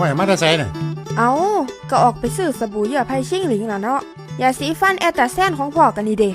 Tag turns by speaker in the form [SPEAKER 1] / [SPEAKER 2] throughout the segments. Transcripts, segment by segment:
[SPEAKER 1] ว่ามาแต่ไสน่ะ
[SPEAKER 2] เอาก็ออกไปซื้อสบู่เหยื่อไผ่ชิงหลิงล่ะเนาะยาสีฟันแอตตาแซนของพ่อกันนี่เด้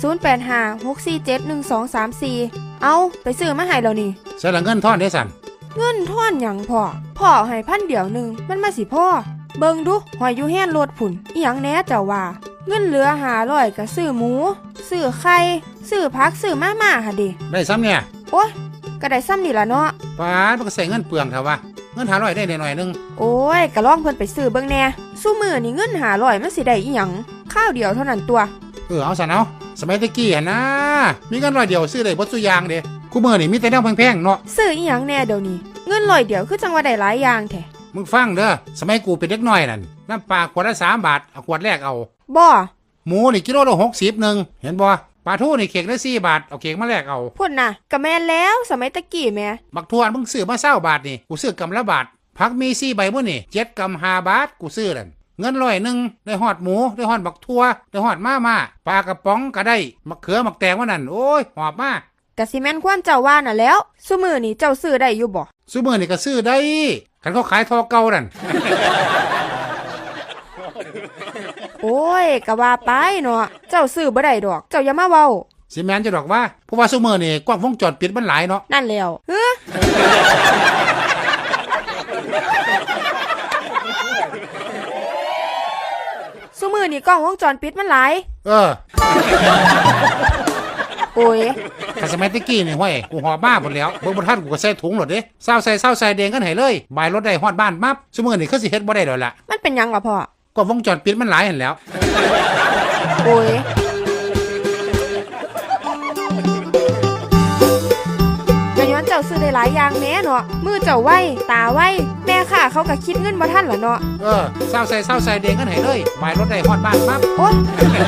[SPEAKER 2] 0856471234เอาไปซื้อมาให้แล้วนี่
[SPEAKER 1] ใส่ละเงินทอนได้สั่น
[SPEAKER 2] เงินทอนหยังพ่อให้1,000เดียวนึงมันมาสิพ่อเบิ่งดูหอยอยู่แฮนรถผุ่นอีหยังแหน่เจ้าว่าเงินเหลือ500ก็ซื้อหมูซื้อไข่ซื้อผักซื้อมาม่าหั่นเด้
[SPEAKER 1] ได้ซ้ำเนี่ย
[SPEAKER 2] โอ๊ยก็ได้ซ้ำนี่ล่ะเนาะ
[SPEAKER 1] ป้ามันก็ใส่เงินเปลืองเถอะวะเงิน500ได้หน่อยนึง
[SPEAKER 2] โอ้ยก็ลองเพิ่นไปซื้อเบิ่งแหน่ซุมื้อนี่เงิน500มันสิได้อีหยังข้าวเดียวเท่านั้นตัว
[SPEAKER 1] เอาซั่นเอาสมัยตะกี้หั่นนะมีเงิน100เดียวซื้อได้บ่ซุอย่างเด้กูมื้อนี่มีแต่แนวแพงๆเนาะ
[SPEAKER 2] ซื้ออีหยังแน่เดี๋ยวนี้เงิน100เดียวคือจังว่าได้หลายอย่างแท้
[SPEAKER 1] มึงฟังเด้อสมัยกูเป็นเด็กน้อยนั่นน้ำปลาขวดละ3 บาทเอาขวดแรกเอา
[SPEAKER 2] บ่
[SPEAKER 1] หมูนี่กิโลละ60นึงเห็นบ่ปลาทูนี่เข่งละ4 บาทเอาเข่งมาแลกเอา
[SPEAKER 2] พุ่นน่ะก็แม่นแล้วสมัยตะกี้แม่
[SPEAKER 1] บักทวนมึงซื้อมา20 บาทนี่กูซื้อกำละบาทผักมี4 ใบมื้อนี่7 กำ5 บาทกูซื้อนั่นเงิน100นึงได้ฮอดหมูได้ฮอดบักทั่วได้ฮอดม่าปลากระป๋องก็ได้มะเขือมะแตงว่านั่นโอ้ยหอบมาก
[SPEAKER 2] ะสิแม่นความเจ้าว่าน่ะแล้วซุมื้อนี้เจ้าซื้อได้อยู่บ่
[SPEAKER 1] ซุมื้อนี้ก็ซื้อได้คันเขาขายทอเก่านั่น
[SPEAKER 2] โอ้ยก็ว่าไปเนาะเจ้าซื้อบ่ได้ดอกเจ้าอย่ามาเว้า
[SPEAKER 1] สิแม่นจะดอกว่าเพราะว่าซุมื้อนี้กล้องวงจรปิดมันหลายเนาะ
[SPEAKER 2] นั่นแล้วซุมื้อนี้กล้องวงจรปิดมันหลายโอ้ย
[SPEAKER 1] ถ้าสมัยตะกี้นี่ห้วยกูหอบมาหมดแล้วเบิ่งบ่ทันกูก็ใส่ถุงหลดเด้เศร้าใส่แดงกันให้เลยบายรถได้ฮอดบ้านมับซุมื้อนี้คือสิเฮ็ดบ่ได้ดอกล่ะ
[SPEAKER 2] มันเป็นหยังล่ะพ่อ
[SPEAKER 1] ก็วงจรปิดมันหลายหั่นแล้ว
[SPEAKER 2] โอ้ยก็ย้อนเจ้าซื้อได้หลายอย่างแม่เนาะมือเจ้าไวตาไวแม่ค่ะเขาก็คิดเงินบ่ทันล่ะเนาะ
[SPEAKER 1] เศร้าใส่แดงกันให้เลยบายรถได้ฮอดบ้านมับ
[SPEAKER 2] โอ๊ย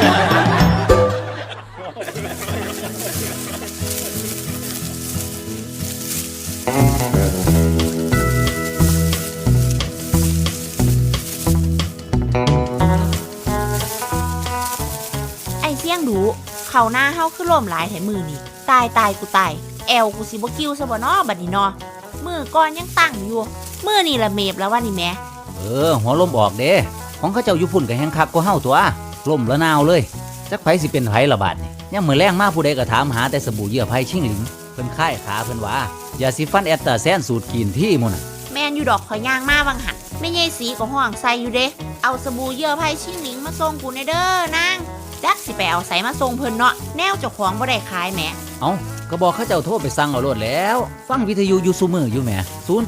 [SPEAKER 3] ดูเขาหน้าเฮาคือล่มหลายแถมือนี่ตายกูตายแอวกูสิบ่กิ้วซะบ่เนาะบัดนี้เนาะมือก่อนยังตั้งอยู่มือนี่ละเมบแล้วว่านี่แม่
[SPEAKER 4] หัวลมออกเด้ของเขาเจ้าอยู่พุ่นก็แฮงคักกว่าเฮาตัวล่มละนาวเลยจักไผสิเป็นไผละบาดนี่ยามมื้อแลงมาผู้ใดก็ถามหาแต่สบู่เหยื่อไผ่ชิงหลิงเพิ่นค่ายขาเพิ่นว่ายาสีฟันแอตตาแซนสูตรกินที่มุ่นน่ะ
[SPEAKER 3] แม่นอยู่ดอกข่อยย่างมาบางหันแม่ใหญ่สีก็ห้องใส่อยู่เด้เอาสบู่เหยื่อไผ่ชิงหลิงมาส่งกูในเด้อนางจักสิไปเอาใส่มาส่งเพิ่นเนาะแนวเจ้าของบ่ได้ขายแหม
[SPEAKER 4] ก็บอกเขาเจ้าโทรไปสั่งเอาโลดแล้วฟังวิทยุอยู่ซุมื้ออยู่แหม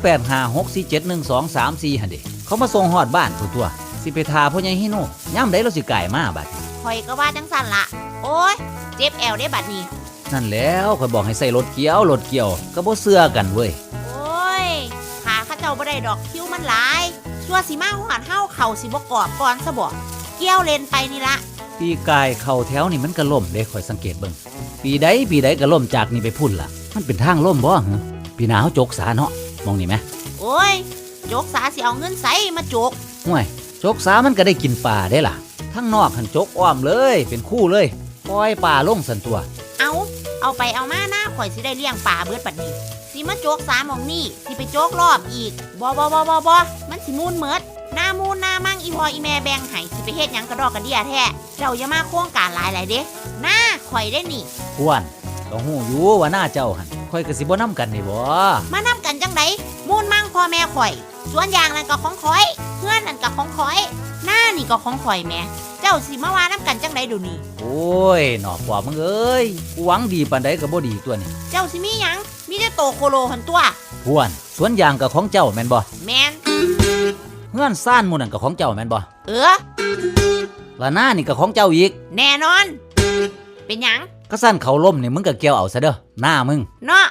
[SPEAKER 4] 0856471234หั่นเด้เขามาส่งฮอดบ้านตัวสิไปทาพ่อใหญ่ฮิโนยามใดเราสิก่ายมาบัด
[SPEAKER 3] ข่อยก็ว่าจังซั่นล่ะโอ๊ยเจ็บแอวได้บัดนี้
[SPEAKER 4] นั่นแล้วข่อยบอกให้ใส่รถเกี่ยวก็บ่เชื่อกันเว้ย
[SPEAKER 3] โอ๊ยขาเขาเจ้าบ่ได้ดอกคิวมันหลายชั่วสิมาฮอดเฮาเข้าสิบ่กรอบก่อนซะบ่เกี่ยวเลนไปนี่ละ
[SPEAKER 4] ปีกายเข้าแถวนี่มันก็ล่มเด้ข่อยสังเกตเบิ่งปีใดก็ล่มจากนี่ไปพุ่นล่ะมันเป็นทางล่มบ่ฮะปีหน้าเฮาจกสาเนาะมองนี่แหม
[SPEAKER 3] โอ้ยจกสาสิเอาเงินไสมาจก
[SPEAKER 4] ห่วยจกสามันก็ได้กินปลาได้ล่ะทั้งนอกหันจกอ้อมเลยเป็นคู่เลยปล่อยปลาลงสั่นตัว
[SPEAKER 3] เอาไปเอามาหน้าข่อยสิได้เลี้ยงปลาเบิดบัดนี้สิมาจกสาหม่องนี่สิไปจกรอบอีกบ่มันสิมูนเมิดหน้ามูนหน้ามั่งอีพออีแม่แบ่งให้สิไปเฮ็ดหยังกระดอกกระเดี่ยแท้เจ้าอย่ามาโครงการหลายเด้หน้าข่อยได้นี่
[SPEAKER 4] ควรก็ฮู้อยู่ว่าหน้าเจ้าหั่นข่อยก็สิบ่นำกันนี่บ่
[SPEAKER 3] มานํกันจังไดมูนมั่งพ่อแม่ข่อยสวนยางนั่นก็ของข่อยเฮือนนั่นก็ของข่อยหน้านี่ก็ของข่อยแม่เจ้าสิมาว่านํกันจังไดเดี๋ยวนี้
[SPEAKER 4] โอ้ยหนอกว่ามึงเอ้ยกูหวังดีปานใดก็บ่ดีตัวนี่
[SPEAKER 3] เจ้าสิมีหยังมีแต่โตโคโลหั่นตัว
[SPEAKER 4] ควรสวนยางก็ของเจ้าแม่นบ่
[SPEAKER 3] แม่น
[SPEAKER 4] เฮือนซ่านหมู่นั่นก็ของเจ้าแม่นบ่ละหน้านี่ก็ของเจ้าอีก
[SPEAKER 3] แน่นอนเป็นหยัง
[SPEAKER 4] ก็สั่นเขาล่มนี่มึงก็เกี่ยวเอาซะเด้อหน้ามึง
[SPEAKER 3] เนาะ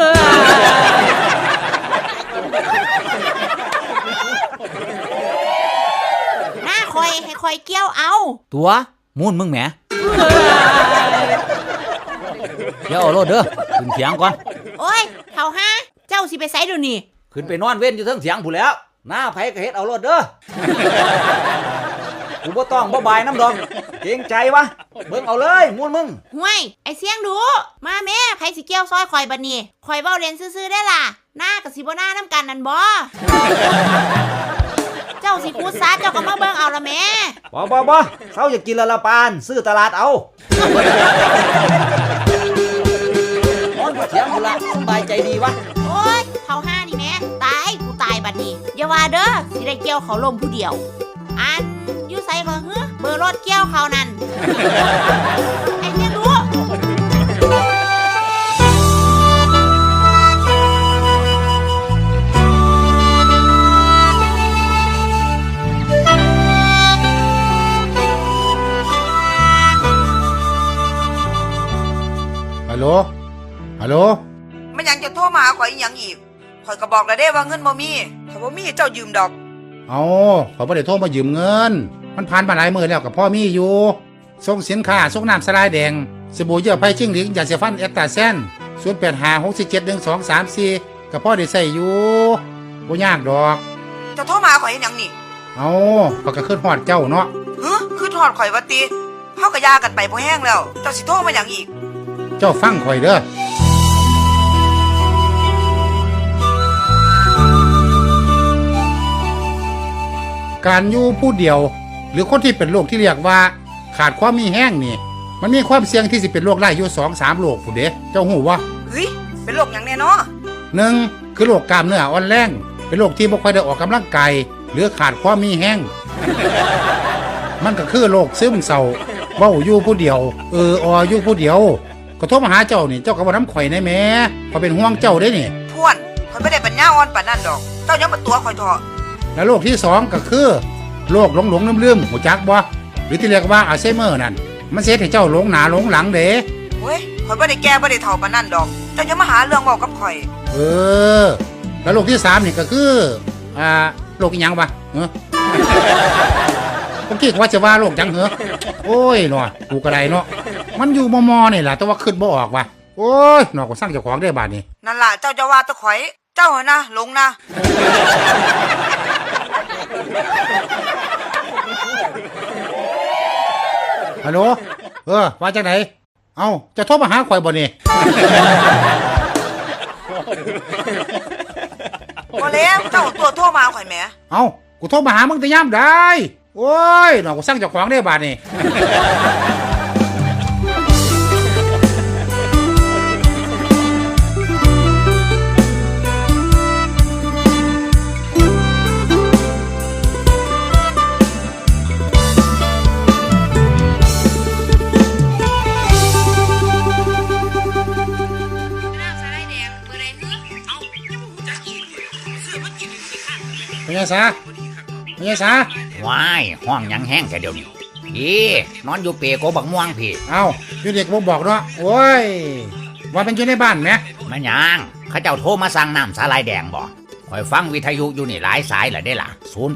[SPEAKER 3] หน้าคอยให้คอยเกี่ยวเอา
[SPEAKER 4] ตัวมูนมึงแหมเกี่ยวเอาโลดเด้อขึ้นเถียงก่อน
[SPEAKER 3] โอ้ยเฒ่าฮะเจ้าสิไปไสเดี๋ยวนี้
[SPEAKER 4] ขึ้นไปนอนเว้นอยู่เทิงเถียงพู้นแล้วหน้าไผก็เฮ็ดเอาโลดเด้อกูบ่ต้องบ่บายน้ำดอกเกรงใจวะเบิ่งเอาเลยมูนมึง
[SPEAKER 3] ห่วยไอ้เสียงดูมาแม่ไผสิเกี่ยวซอยข่อยบัดนี้ข่อยเว้าเล่นซื่อๆได้ล่ะหน้ากับสิบ่หน้าน้ำกันนั่นบ่จ้าสิคูดซาเจ้าก็มาเบิ่งเอาละแม่
[SPEAKER 4] บ่เช้าอยากกินละปานซื้อตลาดเอานอนบ่เถียงกูละสบายใจดีวะ
[SPEAKER 3] โอ้ยเท่าห้านี่แม่ตายกูตายบัดนี้อย่าว่าเด้อสิได้เกี่ยวเขาลมผู้เดียวอันอยู่ไสก็ฮึเบอร์รถเกี่ยวเขานั่นไอ้เนี่ยรู้
[SPEAKER 1] ฮัลโหลฮัลโหล
[SPEAKER 5] มันยังจะโทรมาหาข่อยอีหยังอีกข่อยก็บอกแล้วเด้ว่าเงินบ่มีถ้าบ่มีเจ้ายืมดอก
[SPEAKER 1] เอาขอยบ่ได้โทรมายืมเงินมันผ่านมาหลายมื้อแล้วกับพ่อมีอยู่ส่งสินค้าส่งน้ำสลายแดงสบู่เยื่อไผ่จิ้งหรีดยาสีฟันเอสตาเซน0856471234กับพ่อได้ใช้อยู่บ่ยากดอก
[SPEAKER 5] เจ้าโทรมาหาข่อยเฮ็ดหยังนี่
[SPEAKER 1] เอาข้อยก็คิดฮอดเจ้าเนาะ
[SPEAKER 5] คือทอดข่อยว่าติเฮาก็ยากันไปบ่แห้งแล้ว เจ้าสิโทรมาหยังอีก
[SPEAKER 1] เจ้าฟังข่อยเด้อการอยู่ผู้เดียว หรือคนที่เป็นโรคที่เรียกว่าขาดความมีแห้งนี่มันมีความเสี่ยงที่สิเป็นโรคได้อยู่ 2-3 โรคผู้เด้เจ้าหูวะ
[SPEAKER 5] เฮ้ยเป็นโรคหยังแน่เนาะ
[SPEAKER 1] 1คือโรคกล้ามเนื้ออ่อนแรงเป็นโรคที่บ่ค่อยได้ออกกำลังกายหรือขาดความมีแห้ง มันก็คือโรคซึมเศร้าเว้าอยู่ผู้เดียวอยู่ผู้เดียวก็โทรมาหาเจ้านี่เจ้าก็บ่นำข่อยได้แหมข่อยเป็นห่วงเจ้าเด้นี่
[SPEAKER 5] พวนข่อยบ่ได้ปัญญาอ่อนปานนั้นดอก เจ้าอย่ามาตัวข่อยเถาะ
[SPEAKER 1] และโรคที่2ก็คือโรคหลงลืมหูจักบ่หรือที่เรียกว่าอัลไซเมอร์นั่นมันเฮ็ดให้เจ้าหลงหน้าหลงหลังเด้
[SPEAKER 5] เว้ยข่อยบ่ได้แก่บ่ได้เฒ่าปานนั้นดอก เจ้าอย่ามาหาเรื่องเว้ากับข่อย
[SPEAKER 1] แล้วโรคที่3นี่ก็คือโรคอีหยังวะเฮ้อ ผมคิดว่าจะว่าโรคหยังเหรอโอ้ยหนอกูก็ได้เนาะมันอยู่มอนี่แหละแต่ว่าขึ้นบ่ออกว่ะโอ้ยหนอก็สร้างเจ้าของได้บาดนี้
[SPEAKER 5] นั่นล่ะเจ้าจะว่าแตะข่อย เจ้าเหรอนะหลงนะ
[SPEAKER 1] ฮัลโหลว่าจังไหนเอ้าจะโทรมาหาข่อยบ่นี่
[SPEAKER 5] บ่แล้วเจ้าตัวโทรมาข่อยแหม
[SPEAKER 1] เอ้ากูโทรมาหามึงแต่ยามได้โอ้ยหนอกูสร้างเจ้าของได้บาดนี้ เป็นไงซะเป็นไงซะ
[SPEAKER 6] ว้ายห้องยังแห้งแต่เดี๋ยวนี้นอนอยู่เปรโกบักม่วงพี่
[SPEAKER 1] เอ้าอยู่เด็กบ่บอกเนาะโอ้ยว่าเป็นอยู่ในบ้านไหม
[SPEAKER 6] มันยังเขาเจ้าโทรมาสั่งน้ำสาลายแดงบ่คอยฟังวิทยุอยู่นี่หลายสายแหละได้ล่ะ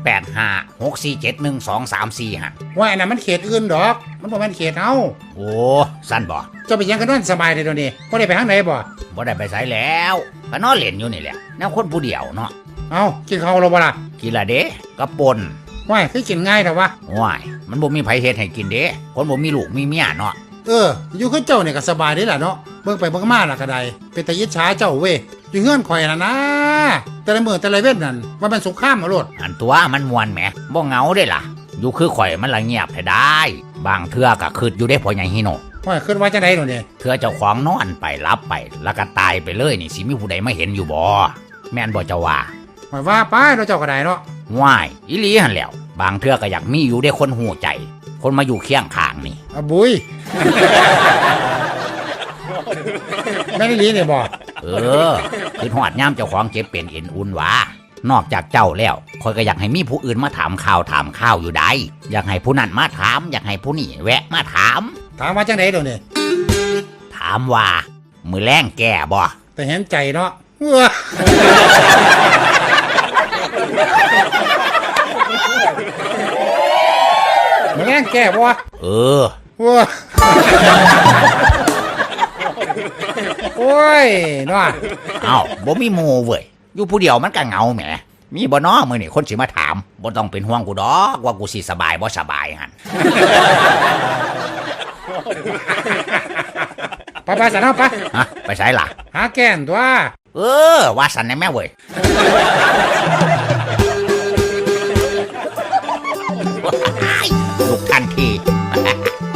[SPEAKER 6] 0856471234ฮะ
[SPEAKER 1] ว่าอันนั้นมันเขตอื่นดอกมันบ่แม่นเขตเฮา
[SPEAKER 6] โอ้สั้นบ่
[SPEAKER 1] เจ้าไปยังกันนอนสบายเลยเดี๋ยวนี้บ่ได้ไปทางไหนบ่
[SPEAKER 6] บ่ได้ไปไสแล้วก็นอนเล่นอยู่นี่แหละแนวคนผู้เดียวเนาะ
[SPEAKER 1] เอ้ากินข้าวแล้วบ่ล่ะ
[SPEAKER 6] กินละเด้ก็ปน
[SPEAKER 1] ว้ายคือกินง่ายแต่ว่า
[SPEAKER 6] ว้ายมันบ่มีไผเฮ็ดให้กินเด้คนบ่มีลูกมีเมียเนาะ
[SPEAKER 1] อยู่คือเจ้าเนี่ยก็สบายเด้ล่ะเนาะเบิ่งไปเบิ่งมาล่ะก็ได้เป็นตายิจฉาเจ้าเว้ยอยู่เฮือนข่อยน่ะนะแต่ละมื้อแต่ละเว้นนั่นว่ามันสงครามเอาโลด
[SPEAKER 6] อันตัวมันม่วนแหมบ่เหงาเด้ล่ะอยู่คือข่อยมันละเงียบให้ได้ บางเทื่อก็คิดอยู่เด้พ่อใหญ่ฮิโน
[SPEAKER 1] ว้ายคิดว่าจังได๋เนาะนี่
[SPEAKER 6] เธอเจ้าของนอนไปรับไปแล้วก็ตายไปเลยนี่สิมีผู้ใดมาเห็นอยู่บ่แม่นบ่เจ้าว่า
[SPEAKER 1] ว้ายว่าไปเนาะเจ้าก็ได้เนาะ
[SPEAKER 6] ว้ายอีหลีหั่นแหล้ว บางเทื่อก็อยากมีอยู่ได้คนหูใจ คนมาอยู่เคียงข้างนี่
[SPEAKER 1] อะบุย แม่นอีหลีนี่บ่
[SPEAKER 6] คือหอดย่ามเจ้าของเจ็บเป็นเอ็นอุ่นหวานอกจากเจ้าแล้วคอยก็อยากให้มีผู้อื่นมาถามข่าวอยู่ได้อยากให้ผู้นั้นมาถาม อยากให้ผู้นี่แวะมาถาม
[SPEAKER 1] ถามว่าจังได๋เดี๋ยวนี้
[SPEAKER 6] ถามว่ามือแรงแก่บ่
[SPEAKER 1] แต่เห็นใจเนาะว้ามันแรงแก้บ่วะ ว้าโอ้ยเนาะ
[SPEAKER 6] เอ้าบ่มีหมู่เว้ยอยู่ผู้เดียวมันก็เหงาแหมมีบ่น้อมื้อนี่คนสิมาถามบ่ต้องเป็นห่วงกูดอกว่ากูสิสบายบ่สบายหั่น
[SPEAKER 1] ไปๆซะเนาะไป
[SPEAKER 6] ฮะไปไสล่ะ
[SPEAKER 1] หาแก้นตัว
[SPEAKER 6] ว่าสันได้แม่เว้ย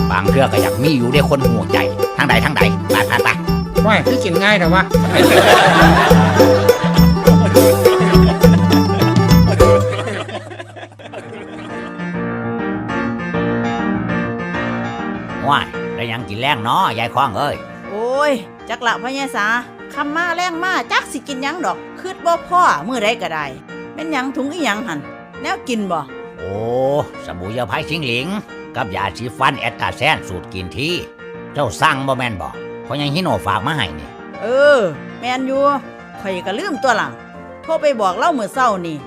[SPEAKER 6] บางเทื่อก็อยากมีอยู่ได้คนหัวใจทางใดไป
[SPEAKER 1] ว่าคือกินง่ายแต่ว่า
[SPEAKER 6] ว้ายได้หยังกินแรงเนาะยายคว้างเอ้ย
[SPEAKER 3] โอ้ยจักละพ่อใหญ่สาคำมาแรงมาจักสิกินหยังดอกคืดบ่พ่อมื้อใดก็ได้แม่นหยังถุงอีหยังหั่นแนวกินบ่
[SPEAKER 6] โอ้สบู่ยาไผ่ชิงหลิง กับยาสีฟันแอตตาแซนสูตรกินที่ เจ้าสั่งบ่แม่นบ่เพราะยังฮิโนฝากมาให้นี่
[SPEAKER 3] เออแม่นอยู่ข่อยก็ลืมตัวหลังโทรไปบอกเล่ามื้อเช้านี่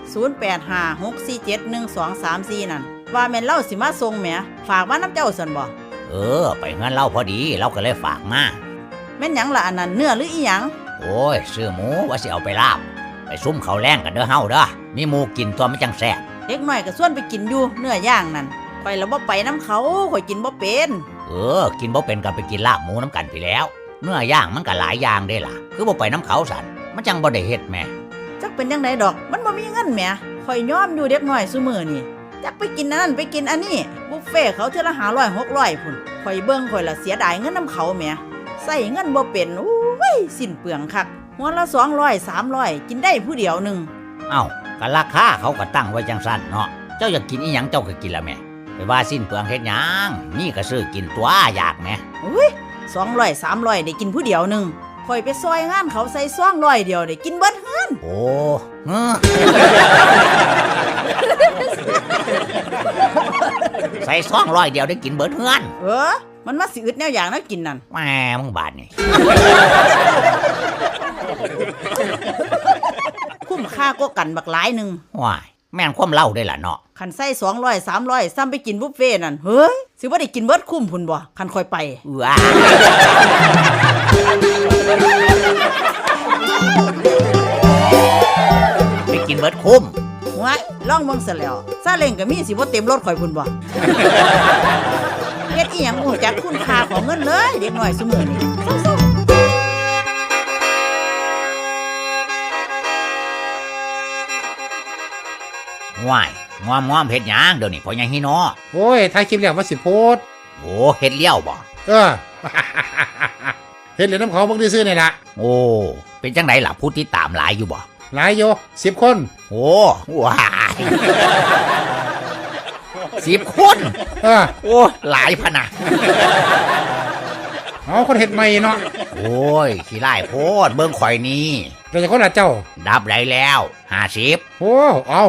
[SPEAKER 3] 0856471234นั่นว่าแม่นเล่าสิมาส่งแหมฝากมาน้ำเจ้าซั่นบ่
[SPEAKER 6] เออ ไปเงินเราพอดีเราก็เลยฝากมา
[SPEAKER 3] แม่นหยังล่ะอันนั้นเนื้อหรืออีหยัง
[SPEAKER 6] โอ้ยซื้อหมูว่าสิเอาไปลาบไปซุ่มเขาวแรงกันเด้อเฮาเด้อมีหมูกินตัวมันจังแซ่บ
[SPEAKER 3] เด็กน้อยก็ส่วนไปกินอยู่เนื้อย่างนั่นข่อยแล้วบ่ไปน้ำเขาข่อยกินบ่เป็น
[SPEAKER 6] เออ กินบ่เป็นก็ไปกินลาบหมูน้ำกันไปแล้ว เนื้อย่างมันก็หลายอย่างเด้ล่ะ คือบ่ไปน้ำเขาสันมันจังบ่ได้เฮ็ดแม่
[SPEAKER 3] จักเป็นจังไดดอกมันบ่มีเงินแหมข่อยยอมอยู่เด็กน้อยซุมื้อนี่จักไปกินอันนั้นไปกินอันนี้บุฟเฟ่ต์เขาเทื่อละ500 600พุ่นข่อยเบิ่งข่อยละเสียดายเงินน้ำเขาแหมใส่เงินบ่เป็นโอ้ยสิ้นเปลืองคักหัวละ200 300กินได้ผู้เดียวหนึง
[SPEAKER 6] เอ้าก็ราคาเขาก็ตั้งไว้จังสั้นเนาะเจ้าอยากกินอีหยังเจ้าก็กินละแม่ไปว่าสิ้นเปลืองเฮ็ดหยังนี่ก็ซื้อกินตัวอยากแม่
[SPEAKER 3] อุ้ย200 300ได้กินผู้เดียวหนึงข่อยไปซอยงานเขาใส่200เดียวได้กินเบิดเฮือน
[SPEAKER 6] โอ้เออ ใส่200เดียวได้กินเบิดเฮือน
[SPEAKER 3] มันมาสิอึดแนวอย่างนะกินนั่น
[SPEAKER 6] แม่มึงบาดนี่
[SPEAKER 3] คุ้มค่าก็กันบักหลายหนึง
[SPEAKER 6] ว้ายแม่นความเล่าได้ล่ะเนาะ
[SPEAKER 3] คันใส่200 300ซ้ำไปกินบุฟเฟ่ต์นั่นเฮ้ยสิบ่ได้กินเบิดคุ้มพุ่นบ่คันค่อยไป
[SPEAKER 6] ว้าไปกินเบิดคุ้ม
[SPEAKER 3] ว้ายลองเบิ่งซะแล้วซาเล้งก็มีสิบ่เต็มรถข่อยพุ่นบ่ เฮ็ดอีหยังบ่รู้จักคุณค่าของเงินเลยเด็กน้อยซุมื้อนี้สู้ๆ
[SPEAKER 6] ว้ายงอมเฮ็ดหยังเดี๋ยวนี้พอยังฮิโน
[SPEAKER 1] โอ้ยถ่ายคลิปแล้วว่าสิโพสต์
[SPEAKER 6] โอ้เฮ็ดเลี้ยวบ่
[SPEAKER 1] เออ เห็นเหรียญน้ำเขาเบิ่งได้ซื้อนี่ล่ะ
[SPEAKER 6] โอ้เป็นจังไดล่ะผู้ติดตามหลายอยู่บ่
[SPEAKER 1] หลายโย10 คน
[SPEAKER 6] โอ้ว้าย10 คน
[SPEAKER 1] เออ
[SPEAKER 6] โอ้หลายพะนะ
[SPEAKER 1] เอาคนเฮ็ดใหม่เนาะ
[SPEAKER 6] โอ้ยขี้ไล่โพดเบิ่งข่อยนี่
[SPEAKER 1] เราจะคนละเจ้า
[SPEAKER 6] ดับได้แล้ว50
[SPEAKER 1] โอ้ เอา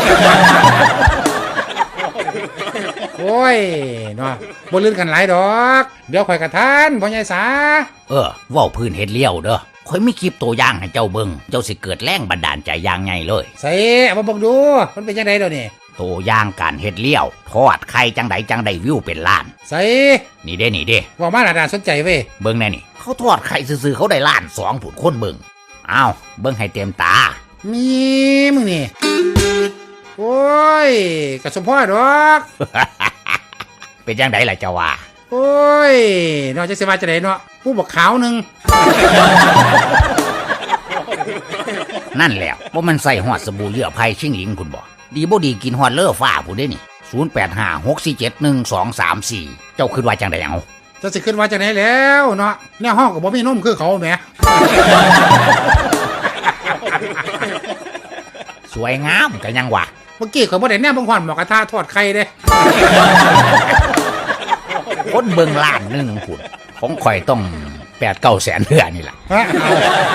[SPEAKER 1] โอ้ยเนาะบ่ลื่นกันหลายดอก เดี๋ยวข่อยกระทานพ่อใหญ่สา
[SPEAKER 6] เว้าพื้นเฮ็ดเลี้ยวเด้อข่อยมีคลิปตัวอย่างให้เจ้าเบิ่งเจ้าสิเกิดแรงบันดาลใจอย่างใหญ่เลย
[SPEAKER 1] ใส่เอามาเบิ่งดู มันเป็นจังได๋เดี๋ยวนี้
[SPEAKER 6] ตัวอย่างการเฮ็ดเลี้ยวทอดไข่จังใดวิวเป็นล้าน
[SPEAKER 1] ใส่
[SPEAKER 6] นี่เด้
[SPEAKER 1] ว่ามาน่าสนใจเว้ย
[SPEAKER 6] เบิ่งแน่นี่เขาทอดไข่ซื่อๆเขาได้ล้าน2ผุนคนเบิ่งอ้าวเบิ่งให้เต็มตา
[SPEAKER 1] มีมึงนี่ โอ้ยกระสมพ่อดอก
[SPEAKER 6] เป็นจังไดล่ะเจ้าว่า
[SPEAKER 1] โอ้ยนอกจากสิว่าจะไดเนาะผู้บอกขาวหนึง
[SPEAKER 6] นั่นแหล้วว่ามันใส่หอดสบู่เหยื่อไผ่ชิงหลิงคุณบ่ดีบ่ดีกินหอดเลอฟ้าผู้ได้นี่0856471234เจ้าคิดว่าจังไดเอา
[SPEAKER 1] จะสิขึ้นว่าจะไหนแล้วเนาะแนวห้องกับบ่มีนมคือเขาแหม
[SPEAKER 6] สวยงามกันยังวะ
[SPEAKER 1] เมื่อกี้เขาบ่ได้แนมบังหวันหมอกระทะทอดไข่เด้
[SPEAKER 6] คนเบิ่งล้านหนึงคุณของข่อยต้อง8-9 แสนเทื่อนี่ล่ะ
[SPEAKER 1] ฮะเอา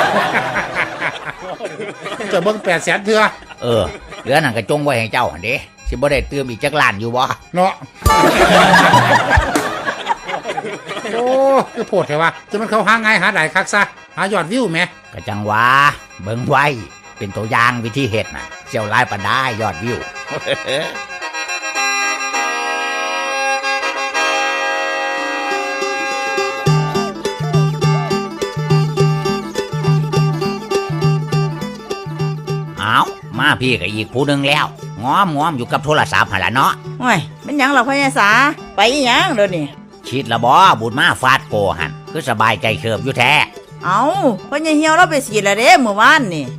[SPEAKER 1] จะเบิ่ง800,000เทื่อ
[SPEAKER 6] เหลือนั่นก็จงไว้ให้เจ้าหั่นเด้สิบ่ได้เติมอีกจักล้านอยู่บ่
[SPEAKER 1] เนาะ โอ้คือโพดแท้ว่าจะมันเขาหาง่ายหาได้คักซะหายอดวิวแหม
[SPEAKER 6] ก็จังว่าเบิ่งไว้เป็นตัวอย่างวิธีเฮ็ดน่ะเสี่ยวหลายปานได้ยอดวิว เอามาพี่ก็อีกผู้หนึงแล้วง้อมอยู่กับโทรศัพท์หั่นล่ะเนาะ
[SPEAKER 3] โอ้ยเป็นหยังล่ะพ่อใหญ่สาไปอีหยังเดี๋ยวนี้
[SPEAKER 6] ชิดละบ่บุญมาฟาดโกหั่นคือสบายใจเคิบอยู่แท้
[SPEAKER 3] เอาพ่อใหญ่เหี่ยวเราไปฉีดแล้วเด้เมื่อวานนี่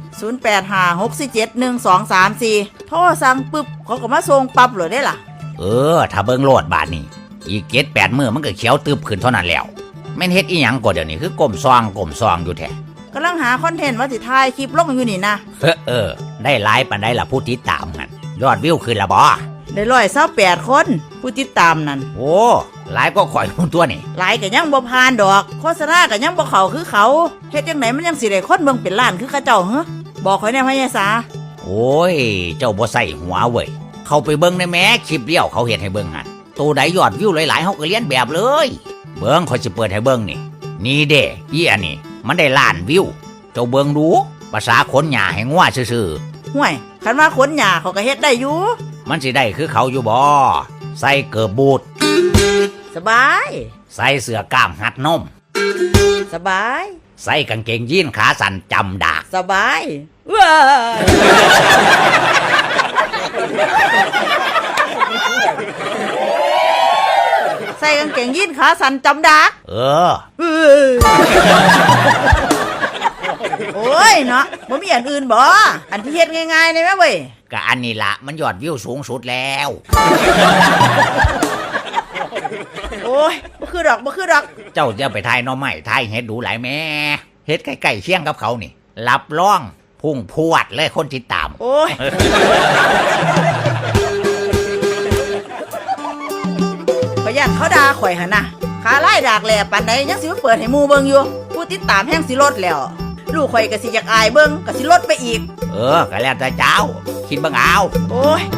[SPEAKER 3] 0856471234โทรสั่งปึ๊บเขาก็มาส่งปั๊บเลยได้ล่ะ
[SPEAKER 6] ถ้าเบิ่งโลดบาดนี้อีก7-8 มื้อมันก็เขียวตึบขึ้นเท่านั้นแล้วแม่นเฮ็ดอีหยังก็เดี๋ยวนี้คือก้มซองอยู่แท้
[SPEAKER 7] กำลังหาคอนเทนต์ว่าสิถ่ายคลิปลงอยู่นี่นะ
[SPEAKER 6] ได้หลายปานใดล่ะผู้ติดตามหั่นยอดวิวขึ้นละบ่
[SPEAKER 7] ได้128 คนผู้ติดตามนั่น
[SPEAKER 6] โอ้หลายก็ข่อยพุ่นตัวนี่
[SPEAKER 7] หลายก็ยังบ่ผ่านดอก โฆษณาก็ยังบ่เข้าคือเขาเฮ็ดจังไหนมันยังสิได้คนเบิ่งเป็นล้านคือเขาเจ้าเหรอบอกข่อยแน่พะยายสา
[SPEAKER 6] โอ้ยเจ้าบ่ใส่หัวเว้ยเข้าไปเบิ่งได้แหม้คลิปเดียวเขาเฮ็ดให้เบิ่งหั่นตัวใดยอดวิวหลายๆเฮาก็เรียนแบบเลยเบิ่งข่อยสิเปิดให้เบิ่งนี่เด้อีอันนี้มันได้ล้านวิวเจ้าเบิ่งดูภาษาคนหญ้าให้งัวซื่อ
[SPEAKER 7] ห่วยคันว่าขนหญ้าเขาก็เฮ็ดได้อยู่
[SPEAKER 6] ๆมันสิได้คือเขาอยู่บ่ใส่เกิบบูท
[SPEAKER 7] สบาย
[SPEAKER 6] ใส่เสื้อกล้ามหัดนม
[SPEAKER 7] สบาย
[SPEAKER 6] ใส่กางเกงยีนขาสั้นจำดาก
[SPEAKER 7] สบายว้ายใส่กางเกงยีนขาสั้นจำดัก
[SPEAKER 6] เออ
[SPEAKER 7] โอ้ยเนาะบ่มีอันอื่นบ่อันที่เฮ็ดง่ายๆเลยแม่เว้ย
[SPEAKER 6] ก็อันนี้ละมันยอดวิวสูงสุดแล้ว
[SPEAKER 7] โอ้ยบ่คือดอก
[SPEAKER 6] เจ้าจะไปทายหน้อไม้ทายเฮ็ดดูหลายแม่เฮ็ดใกล้ๆเคียงกับเขานี่รับรองพุ่งพวดเลยคนติดตาม
[SPEAKER 7] โอ้ยประหยัดเขาด่าข่อยหั่นนะขาไล่ดากแหล่ปานใดยังสิมาเปิดให้หมู่เบิ่งอยู่ผู้ติดตามแฮงสิลดแล้วลูกข่อยก็สิอยากอายเบิ่งก็สิลดไปอีก
[SPEAKER 6] ก็แล้วแต่เจ้า คิดเบิ่งเอา
[SPEAKER 7] โอ้ย